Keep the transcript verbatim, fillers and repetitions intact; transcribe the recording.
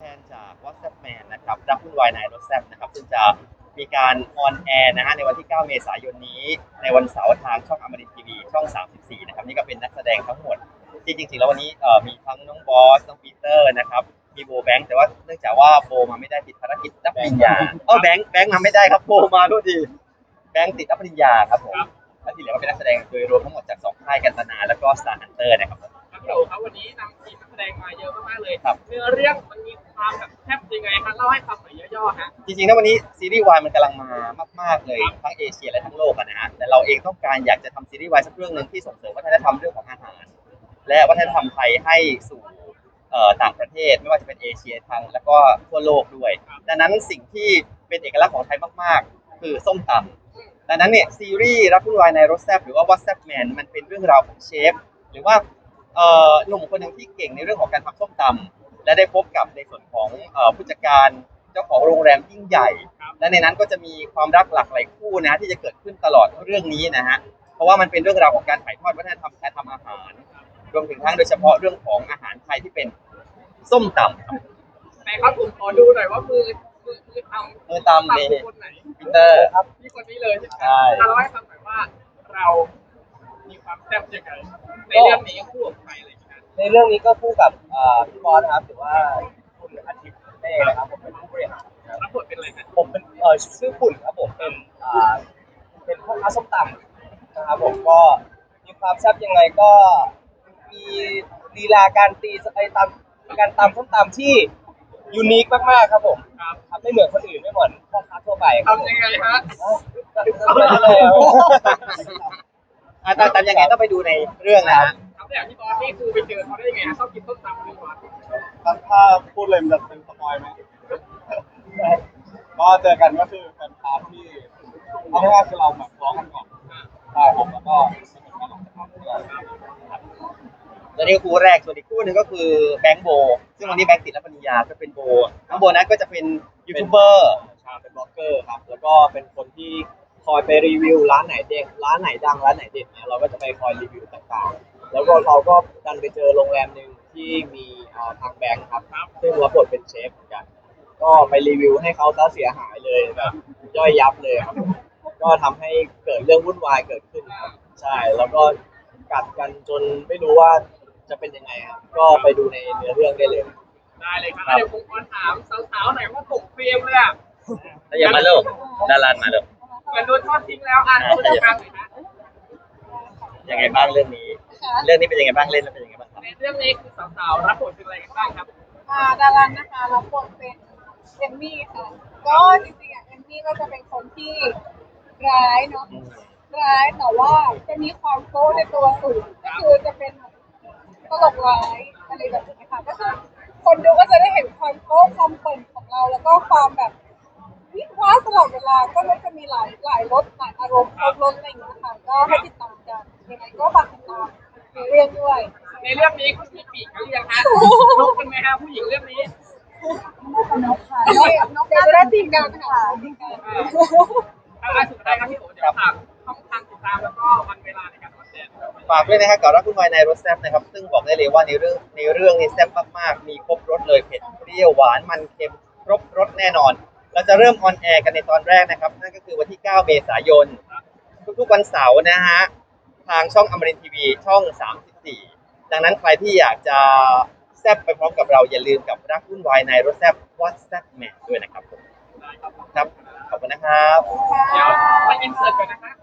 นจาก WhatsApp Man นะครับรักวุ่นวายในรถแซ่บนะครับซึ่งจะมีการออนแอร์นะฮะในวันที่ เก้า เมษายนนี้ในวันเสาร์ทางช่องอมรินทร์ทีวีช่อง สามสิบสี่ นะครับนี่ก็เป็นนักแสดงทั้งหมดที่จริงๆแล้ววันนี้เอ่อมีทั้งน้องบอสน้องปีเตอร์นะครับมีโบแบงค์แต่ว่าเนื่องจากว่าโบมาไม่ได้ติดภารกิจรับปริญญาเออแบงค์แบงค์มาไม่ได้ครับโบมาด้วยดีแบงค์ติดรับปริญญาครับผมและที่เหลือก็เป็นนักแสดงโดยรวมทั้งหมดจากสองค่ายกันตนาแล้วก็ Star Hunter นะครับครับพี่โอครับวันนี้นำทีมนักแสดงมาเยอะมากๆเลยเนื้อเรื่องมันมีความแบบแทบยังไงครับเล่าให้ฟังหน่อยย่อๆฮะจริงๆนะวันนี้ซีรีส์วายมันกำลังมามากๆเลยทั้งเอเชียและทั้งโลกนะฮะแต่เราเองต้องการอยากจะทำซีรีส์วายสักเรื่องหนึ่งที่ส่งเสริมวัฒนธรรมเรื่องของอาหารและวัฒนธรรมไทยให้สู่ต่างประเทศไม่ว่าจะเป็นเอเชียทางแล้วก็ทั่วโลกด้วยดังนั้นสิ่งที่เป็นเอกลักษณ์ของไทยมากๆคือส้มตำดังนั้นเนี่ยซีรีส์รักวุ่นวายในรสแซ่บหรือว่า WhatsApp Man มันเป็นเรื่องราวของเชฟหรือว่าหนุ่มคนหนึ่งที่เก่งในเรื่องของการทำส้มตำและได้พบกับในส่วนของผู้จัดการเจ้าของโรงแรมยิ่งใหญ่และในนั้นก็จะมีความรักหลากหลายคู่นะที่จะเกิดขึ้นตลอดเรื่องนี้นะฮะเพราะว่ามันเป็นเรื่องราวของการถ่ายทอดวัฒนธรรมการทำอาหารรวมถึงทั้งโดยเฉพาะเรื่องของอาหารไทยที่เป็นส้มตำแต่ครับผมขอดูหน่อยว่ามือมือมือทำมือตำนี่คนไหนปีเตอร์ครับพี่คนนี้เลยใช่ไหมเราให้ฟังหน่อยว่าเรามีความแซ่บยังไงในเรื่องนี้คู่กับใครอะไรอย่างเงี้ยในเรื่องนี้ก็คู่กับพี่บอสนะครับหรือว่าคุณอาทิตย์เต้นะครับผมเป็นผู้บริหารรับบทเป็นอะไรนะผมเป็นเอ่อชื่อปุ่นครับผมเป็นอ่าเป็นพ่อค้าส้มตำนะครับผมก็มีความแซ่บยังไงก็มีลีลาการตีสไตล์ตำการตำส้มตำที่ยูนิคมากๆครับผมครับไม่เหมือนคนอื่นไม่เหมือนพ่อค้าทั่วไปทำยังไงฮะตำตำยังไงต้องไปดูในเรื่องนะฮะทำอย่างที่บอสนี่คือไปเจอเขาได้ยังไงชอบกินส้มตำคือว่าถ้าพูดเลยมันจะเป็นสปอยไหมก็เจอกันก็คือเป็นพาร์ทที่เอาง่ายๆคือเราแบบร้องกันก่อนใช่ครับแล้วก็สนุกกันหลังจากนั้นตอนนี้คู่แรกส่วนอีกคู่หนึ่งก็คือแบงค์โบซึ่งวันนี้แบงค์ติดรับปริญญาก็เป็นโบน้องโบนั้นก็จะเป็นยูทูบเบอร์เป็นบล็อกเกอร์ครับแล้วก็เป็นคนที่คอยไปรีวิวร้านไหนเด็ดร้านไหนดังร้านไหนเด็ดเนี่ยเราก็จะไปคอยรีวิวต่างๆแล้วก็เราก็ดันไปเจอโรงแรมหนึ่งที่มีทางแบงค์ครับซึ่งรับบทเป็นเชฟเหมือนกันก็ไปรีวิวให้เขาซะเสียหายเลยแบบย่อยยับเลยครับก็ทำให้เกิดเรื่องวุ่นวายเกิดขึ้นครับใช่แล้วก็กัดกันจนไม่รู้ว่าจะเป็นยังไงครับก็ไปดูในเนื้อเรื่องได้เลยได้เลยครับเดี๋ยวผมขอถามสาวๆหน่อยว่าตกเฟรมเลยอ่ะอย่ามาเลิกดารามาเลิกเหมือนโดนทอดทิ้งแล้วอ่ะผู้จัดการหน่อยนะยังไงบ้างเรื่องนี้เรื่องนี้เป็นยังไงบ้างเล่นแล้วเป็นยังไงบ้างในเรื่องนี้คือสาวๆรับบทเป็นอะไรกันบ้างครับอ่าดารานะคะรับบทเป็นเอมมี่ค่ะก็จริงๆอ่ะเอมมี่ก็จะเป็นคนที่ร้ายเนาะร้ายแต่ว่าจะมีความโก้ในตัวสูงก็คือจะเป็นตลกร้ายอะไรแบบนี้ค่ะก็คือคนดูก็จะได้เห็นความโก้ความเปิ่นของเราแล้วก็ความแบบวิวาตลอดเวลาก็จะมีหลายหลายรสหลายอารมณ์ครบรสอะไรอย่างเงี้ยค่ะก็ให้ติดตามกันยังไงก็ฝากติดตามในเรื่องด้วยในเรื่องนี้คุณมีปีกหรือยังฮะนกเป็นไหมฮะผู้หญิงเรื่องนี้นกค่ะนกเดี๋ยวจะได้ตีกันค่ะตีกันอ่าสุดท้ายครับพี่โอ๋เดี๋ยวฝากช่องทางติดตามแล้วก็วันเวลาในการออนแอร์ฝากด้วยนะครับกับรักวุ่นวายในรสแซ่บนะครับซึ่งบอกได้เลยว่าในเรื่องในเรื่องนี้แซ่บมากๆมีครบรสเลยเผ็ดเปรี้ยวหวานมันเค็มครบรสแน่นอนเราจะเริ่มออนแอร์กันในตอนแรกนะครับนั่นก็คือวันที่ เก้า เมษายนทุกๆวันเสาร์นะฮะทางช่องอมรินทร์ทีวีช่อง สามสิบสี่ ดังนั้นใครที่อยากจะแซ่บไปพร้อมกับเราอย่าลืมกับรักวุ่นวายในรสแซ่บ WhatsApp Man ด้วยนะครับผมครับขอบคุณนะครับเดี๋ยวมาอินเสิร์ตก่อนนะคะ